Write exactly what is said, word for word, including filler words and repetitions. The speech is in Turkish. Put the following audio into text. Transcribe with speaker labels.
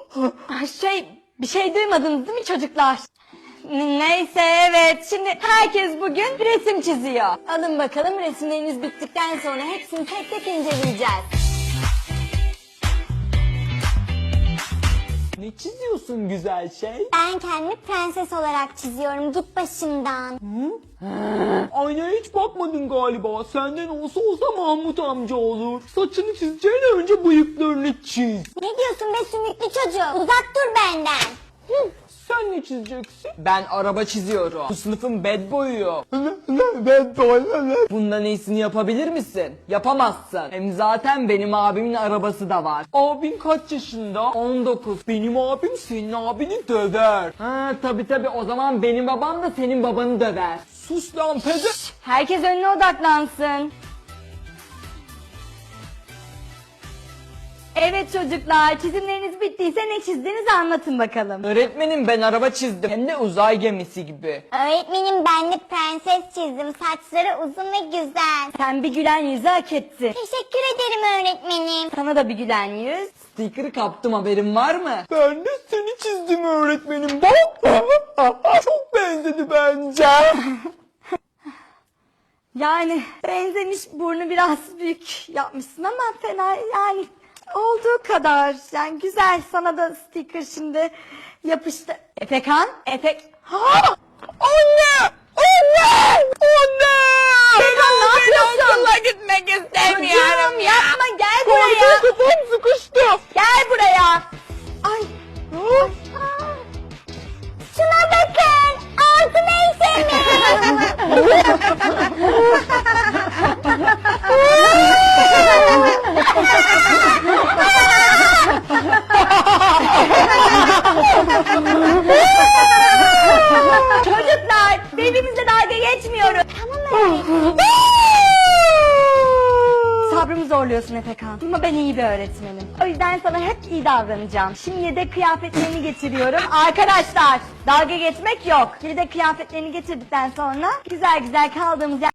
Speaker 1: Şey, bir şey duymadınız değil mi çocuklar? N- Neyse evet, şimdi herkes bugün resim çiziyor. Alın bakalım, resimleriniz bittikten sonra hepsini tek tek inceleyeceğiz.
Speaker 2: Ne çiziyorsun güzel şey?
Speaker 3: Ben kendimi prenses olarak çiziyorum. Git başımdan.
Speaker 2: Aynaya hiç bakmadın galiba. Senden olsa olsa Mahmut amca olur. Saçını çizeceğine önce bıyıklarını çiz.
Speaker 3: Ne diyorsun be sümüklü çocuğu? Uzak dur benden. Hı.
Speaker 2: Sen ne çizeceksin? Ben araba çiziyorum. Bu sınıfın bad boy'u. Bad boy. Bundan iyisini yapabilir misin? Yapamazsın. Hem zaten benim abimin arabası da var. Abin kaç yaşında? on dokuz. Benim abim senin abini döver. Ha tabi tabi, o zaman benim babam da senin babanı döver. Sus lan pede.
Speaker 1: Herkes önüne odaklansın. Evet çocuklar, çizimleriniz bittiyse ne çizdiğinizi anlatın bakalım.
Speaker 2: Öğretmenim, ben araba çizdim. Hem de uzay gemisi gibi.
Speaker 3: Öğretmenim ben de prenses çizdim. Saçları uzun ve güzel.
Speaker 1: Sen bir gülen yüzü hak ettin.
Speaker 3: Teşekkür ederim öğretmenim.
Speaker 1: Sana da bir gülen yüz.
Speaker 2: Sticker'ı kaptım, haberin var mı? Ben de seni çizdim öğretmenim. Bak. Çok benzedi bence.
Speaker 1: Yani benzemiş, burnu biraz büyük yapmışsın ama fena yani olduğu kadar. Yani güzel, sana da sticker şimdi yapıştı. Efekan, Efek... Ha!
Speaker 2: Anne! Anne! Anne!
Speaker 1: Efekan ne yapıyorsun?
Speaker 2: Okula gitmek istemiyorum
Speaker 1: Çocuğum
Speaker 2: ya.
Speaker 1: yapma, gel buraya.
Speaker 2: Kafam sıkıştı.
Speaker 1: Gel buraya. Ay.
Speaker 2: Hı?
Speaker 3: Şuna bakın. Altı neyse mi?
Speaker 1: Çocuklar, birbirimizle dalga geçmiyoruz.
Speaker 3: Tamam öğretmenim.
Speaker 1: Sabrımı zorluyorsun Efekan. Ama ben iyi bir öğretmenim. O yüzden sana hep iyi davranacağım. Şimdi de kıyafetlerini getiriyorum. Arkadaşlar, dalga geçmek yok. Şimdi de kıyafetlerini getirdikten sonra güzel güzel kaldığımız yer...